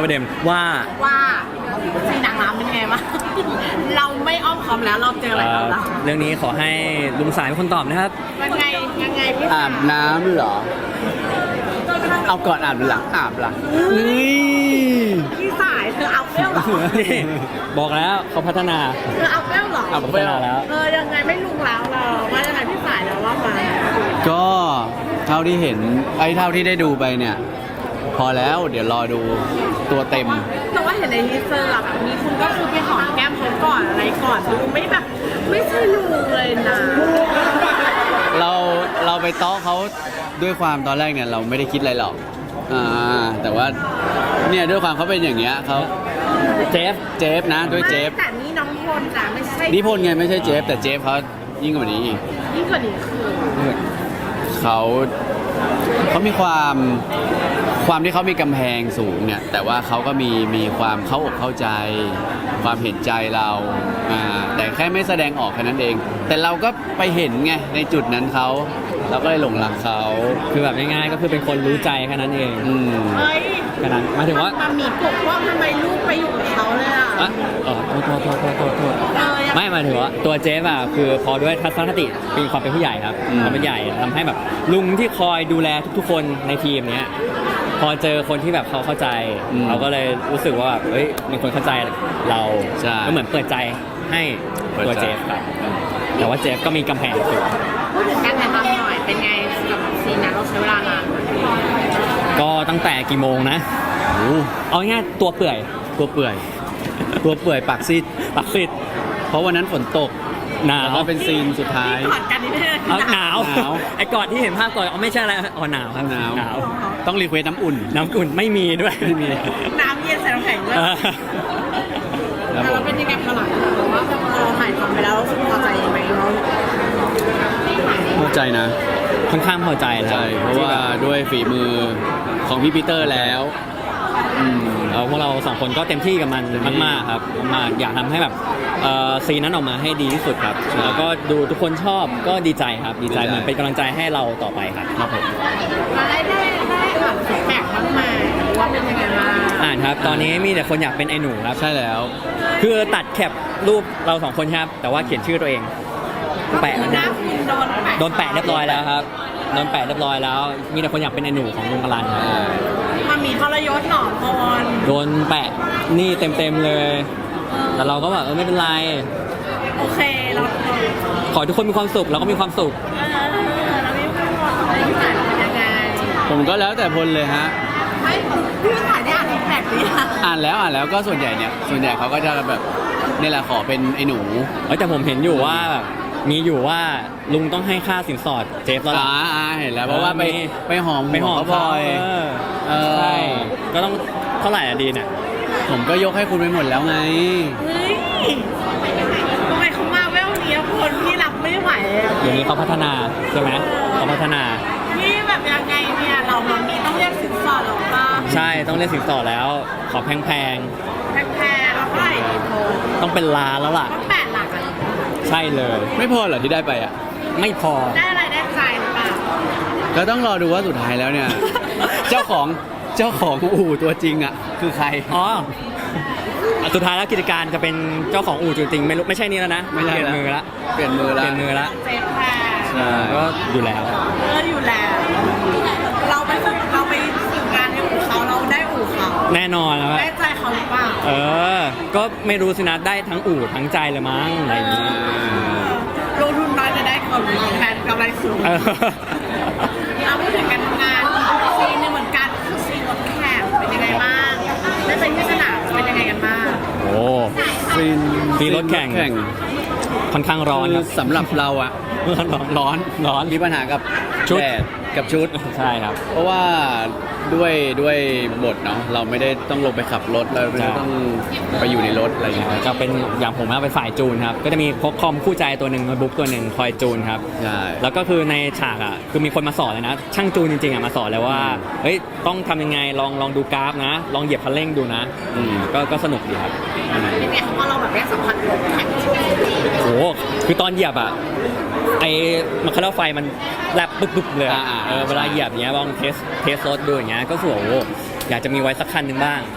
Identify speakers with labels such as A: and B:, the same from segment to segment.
A: ประเด็นว่า
B: ซีนหนังน้ำเป็นไงบ้างเราไม่อ้อมค้อมแล้วเราเจออะไรแล้วล่ะ
A: เรื่องนี้ขอให้ลุงสายเป็นคนตอบนะครับ
B: ยังไงพี่
C: อาบน้ำเหรอเอาก่อนอาบหรือหลังอาบล่ะนี่
B: พี่สายเธอเอาเปรี้ยวเหรอ
A: นี่บอกแล้วเขาพัฒนา
B: เธอเอาเปรี้ยวเหรอ
A: เอาพัฒนาแล้ว
B: ยังไงไม่ลุงแล้วเราว่ายังไงพี่สายแล้วว่ามา
C: ก็เท่าที่เห็นเท่าที่ได้ดูไปเนี่ยพอแล้วเดี๋ยวรอดูตัวเต็ม
B: แต่ว่าเห็นในทีเซอร์แบบมีคุณก็คือไปหอมแก้มเขาก่อนอะไรก่อนดูไม่แบบไม่ใช่ลุงเลยนะ
C: เราไปต้อเขาด้วยความตอนแรกเนี่ยเราไม่ได้คิดอะไรหรอกแต่ว่าเนี่ยด้วยความเขาเป็นอย่างเงี้ยเขาเจฟนะด้วยเจฟ
B: แต่นี่น้องพลนะไม่ใช่
C: นิพนธ์ไงไม่ใช่เจฟแต่เจฟเขายิ่งกว่านี้อีก
B: ยิ่งกว่านี้คือ
C: เขามีความที่เขามีกำแพงสูงเนี่ยแต่ว่าเขาก็มีความเข้าอกเข้าใจความเห็นใจเราแต่แค่ไม่แสดงออกแค่นั้นเองแต่เราก็ไปเห็นไงในจุดนั้นเราก็เลยหลงรักเขา
A: คือแบบง่ายๆก็คือเป็นคนรู้ใจแค่นั้นเองแค่นั้นหมายถึงว่า
B: มันมีปกว่าทำไมลูกไปอยู่กับเขาเลย
A: โทษไม่หมายถึงว่าตัวเจฟอ่ะคือพอด้วยทัศนคติมีความเป็นผู้ใหญ่ครับความเป็นใหญ่ทำให้แบบลุงที่คอยดูแลทุกๆคนในทีมเนี้ยพอเจอคนที่แบบเขาเข้าใจเราก็เลยรู้สึกว่าแบบเฮ้ยมีคนเข้าใจเราก็เหมือนเปิดใจให้ตัวเจฟครับแต่ว่าเจฟก็มีกำแพงสูง
B: พูดถึงการถ่ายทำหน่อยเป็นไงกับซีนนั้นเราใช้เวลานาน
A: ก็ตั้งแต่กี่โมงนะเอาง่ายตัวเปื่อย
C: ปากซีดเพราะวันนั้นฝนตก
A: หนาว
C: ก็เป็นซีนสุดท้าย
B: กอดกันนิดนึง
A: หนาวไอ้กอดที่เห็นภาพก่อนไม่ใช่อะไรหนาวครับหนาว
C: ต้องรีเควสน้ำอุ่น
A: ไม่มีด้วยไม่มี
B: น้ำเย็นใส่น้ำแข็งด้วยแล้วเป็นยังไงขนาดว่าเราถ่ายทำไปแล้วรู้สึกพอใจไหม
C: พอใจนะ
A: ค่อนข้างพอใจแล้ว
C: เพราะว่าด้วยฝีมือของพี่ปีเตอร์แล้ว
A: พวกเราสองคนก็เต็มที่กับมันมากๆครับมากอยากทำให้แบบซีนนั้นออกมาให้ดีที่สุดครับแล้วก็ดูทุกคนชอบก็ดีใจครับดีใจเหมือนเป็นกำลังใจให้เราต่อไปครับผม
B: ได้อ่านฟีดแบ็กบ้างไหมว่าเป็นยังไงบ้าง
A: อ่านครับตอนนี้มีแต่คนอยากเป็นไอ้หนูครับ
C: ใช่แล้ว
A: คือตัดแคปรูปเราสองคนครับแต่ว่าเขียนชื่อตัวเองแปะโดนแปะเรียบร้อยแล้วครับโดนแปะเรียบร้อยแล้วมีแต่คนอยากเป็นไอ้หนูของลุงอลันครับ
B: มันมีทรยศหนอพร
A: โดนแปะนี่เต็มเลยแต่เราก็แบบไม่เป็นไร
B: โอเคเรา
A: ขอทุกคนมีความสุขเราก็มีความสุข
B: เราไม่พูดอะไรที่ไหนเป็นยังไง
C: ผมก็แล้วแต่พลเลยฮะ
B: ไม่พี่ถ่ายได้อ่านฟีดแบ็กดี
C: อ่านแล้วก็ส่วนใหญ่เขาก็จะแบบนี่แหละขอเป็นไอ้หนู
A: แต่ผมเห็นอยู่ว่าแบบมีอยู่ว่าลุงต้องให้ค่าสินสอดเจฟแล้วล่ะ
C: เห็นแล้วเพราะว่าไปหอมเขาพลอย
A: ใช่ก็ต้องเท่าไหร่อะดีเนี่ย
C: ผมก็ยกให้คุณไปหมดแล้วไง
B: ทำไมเขามาแววนี้คนที่รับไม่ไหว
A: อย่างนี้เขาพัฒนาใช่ไหมเขาพัฒนา
B: นี่แบบยังไงเนี่ยเรามีต้องเรียกสินสอดหรอป่ะ
A: ใช่ต้องเรียกสินสอดแล้วขอแพง
B: แล้วเท่าไหร่ดีโพ
A: ต้องเป็นล้านแล้วล่ะ
B: ต้อง8 หลักอ่ะ
A: ใช่เลย
C: ไม่พอเหรอที่ได้ไปอ่ะ
A: ไม่พอ
B: ได้อะไรได้ใจหรือเปล่า
C: ก็ต้องรอดูว่าสุดท้ายแล้วเนี่ยเจ้าของอู่ตัวจริงอ่ะคือใคร
A: สุดท้ายแล้วกิจการจะเป็นเจ้าของอู่จริงๆไม่ใช่นี่แล้วนะ
C: เปลี่ยนมือละ
A: เปลี่ยนมือละ
B: เจ๊ค่ะ
A: ก็อยู่แล้ว
B: เราไปฝึกงานในอู่เขาเราได้อู่เขา
A: แน่นอนแล้ว
B: ได้ใจเขาหรือเปล่า
A: ก็ไม่รู้สินะได้ทั้งอู่ทั้งใจเลยมั้งอะไรอย่างนี้
B: ลงทุนน้อยจะได้ผลแทนกำไรสูงเราพูดถึงการทำงานซีนนึงเหมือนกันคือซีนรถแข่งเป็นยังไงบ้างได้ไปที่สนามเป็นยังไงกันบ้าง
C: ซีน
A: รถแข่งค่อนข้างร้อน
C: สำหรับเราอะร้อนมีปัญหากับชุด
A: ใช่ครับ
C: เพราะว่าด้วยบทเนาะเราไม่ได้ต้องลงไปขับรถเราไม่ได้ต้องไปอยู่ในรถอะไรอย่างเงี้ย
A: จะเป็นอย่างผมเป็นฝ่ายจูนครับก็จะมีพกคอมคู่ใจตัวหนึ่งโน้ตบุ๊กตัวหนึ่งคอยจูนครับ
C: ใช่
A: แล้วก็คือในฉากอ่ะคือมีคนมาสอนเลยนะช่างจูนจริงๆอ่ะมาสอนเลยว่าเฮ้ยต้องทำยังไงลองดูกราฟนะลองเหยียบคันเร่งดูนะก็สนุกดีครับ
B: เป็นไงเพราะเราแบบได้สัมผัสรถแข่ง
A: โอ้คือตอนเหยียบอ่ะไอ้มันคาร์ไฟมันแลบปึ๊บเลยเวลาเหยียบเนี้ยลองเทสรถดูอย่างเงี้ยก็สวยอยากจะมีไว้สักคันหนึ่งบ้าง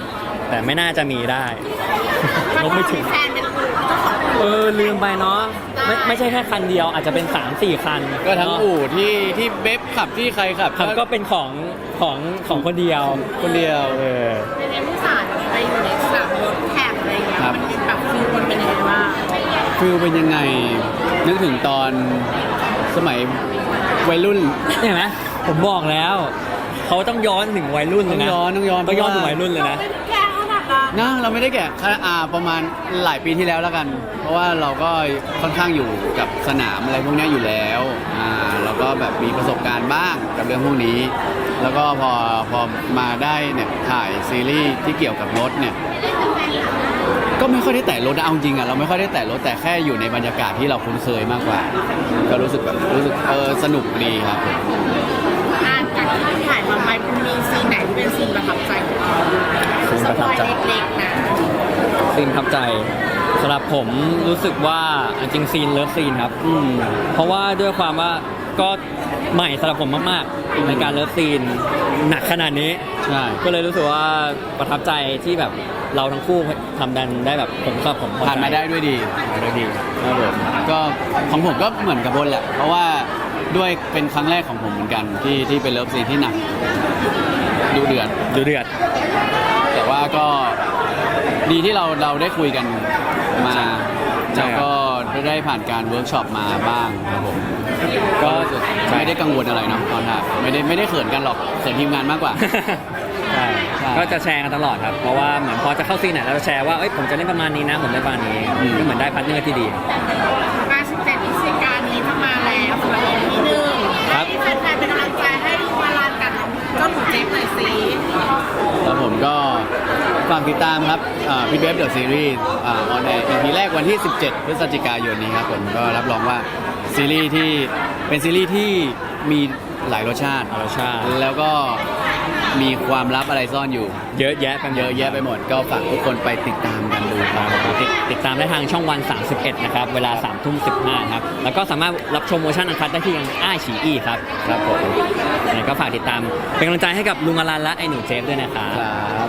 A: แต่ไม่น่าจะมีได้ลบไม่ถึง
B: แฟนเป็นอู่เจ้าของอู่
A: ลืมไปเนาะไม่ใช่แค่คันเดียวอาจจะเป็น 3-4 คัน
C: ก็ทั้ง
A: เนาะ
C: อู่ที่เบฟขับที่ใครขับ
A: ครับก็เป็นของคนเดียว
C: คนเดียว
B: ในเรื่องผู้สารไปอยู่ในสนามรถแข่งอะไรอย่างเงี้ย
C: ครับ
B: มันเป็นแบบฟิลมันเป็นยังไงบ้าง
C: ฟิลเป็นยังไง นึกถึงตอนสมัยวัยรุ่น
A: เห็นไหมผมบอกแล้วเขาต้องย้อนถึงวัยรุ่นเลยนะ
C: ต้องย้อน
A: ต้องย้อนถึงวัยรุ่นเลยนะ
B: ไม่ได้แกล้งขนาดนั้น
C: นะเราไม่ได้แก่ประมาณหลายปีที่แล้วแล้วกัน เพราะว่าเราก็ค่อนข้างอยู่กับสนามอะไรพวกนี้อยู่แล้วเราก็แบบมีประสบการณ์บ้างกับเรื่องพวกนี้ แล้วก็พอมาได้เนี่ยถ่ายซีรีส์ที่เกี่ยวกับรถเนี่ยก็ไม่ค่อยได้แตะรถนะเอาจริงอ่ะเราไม่ค่อยได้แตะรถแต่แค่อยู่ในบรรยากาศที่เราคุ้นเคยมากกว่า ก็รู้สึกสนุกดีครับ
B: จากที่ถ่ายมาไปมีซีนไหนที่เป็นซีนประทับใจของเรา
A: ซีน
B: ส
A: ประ
B: ป
A: ทับ
B: อย
A: ใจ
B: เล็กๆนะ
A: ซีนประทับใจสำหรับผมรู้สึกว่าจริงๆซีนเลิฟซีนครับเพราะว่าด้วยความว่าก็ใหม่สำหรับผมมากๆในการเลิฟซีนหนักขนาดนี้
C: ใช่
A: ก็เลยรู้สึกว่าประทับใจที่แบบเราทั้งคู่ทำดันได้แบบผมกับผมพอใจ
C: ผ่านมาได้ด้วยดี
A: ได้ดี
C: ครับผมก็ของผมก็เหมือนกับบนแหละ เพราะว่าด้วยเป็นครั้งแรกของผมเหมือนกันที่เป็นเลิฟซีนที่หนักดูเดือด
A: ดูเดือด
C: แต่ว่าก็ดีที่เราได้คุยกันมา
A: ใช่
C: แล้วก็ได้ผ่านการเวิร์กช็อปมาบ้างครับผมก็รู้สึกไม่ได้กังวลอะไรเนาะตอนถ่ายไม่ได้เขินกันหรอกเขินทีมงานมากกว่า
A: ใช่
C: ใช่
A: ก็จะแชร์กันตลอดครับ เพราะว่าเหมือนพอจะเข้าซีนไหนเราจะแชร์ว่าเอ้ยผมจะเล่นประมาณนี้นะ ผมเล่นประมาณนี้ก็เหมือนได้พาร์ทเนอร์ที่ดี
B: การ17พฤศจิกายนนี้จะมาแล้วสำหรับ EP หนึ่ง
A: ครับ
B: ให้แฟนๆเป็นกำลังใจให้ลูกมาลานกับเจ้าหนูเจฟหน่อยสิ
C: แล้วผมก็ฝากติดตามครับพี่เบฟเดอะซีรีส์ออนแอร์ EP แรกวันที่ 17 พฤศจิกายนนี้ครับผมก็รับรองว่าซีรีส์ที่เป็นซีรีส์ที่มีหลายรสชาติ แล้วก็มีความลับอะไรซ่อนอยู่
A: เยอะแยะไป
C: เยอะแยะไปหมด ก็ฝากทุกคนไปติดตามกันดูครับ
A: ติดตามได้ทางช่องวัน 31 นะครับ เวลา 3:15 ครับ แล้วก็สามารถรับชมเวอร์ชันอันคัดได้ที่ยังอ้าฉีอีครับ
C: ครับผม
A: ยังไงก็ฝากติดตาม เป็นกำลังใจให้กับลุงอลันและไอ้หนูเจฟด้วยนะครับ
C: ครับ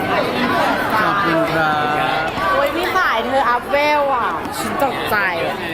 C: ขอบคุณครับ
B: โอ้ยพี่สายเธออัพเวลอ่ะฉันตกใจอ่ะ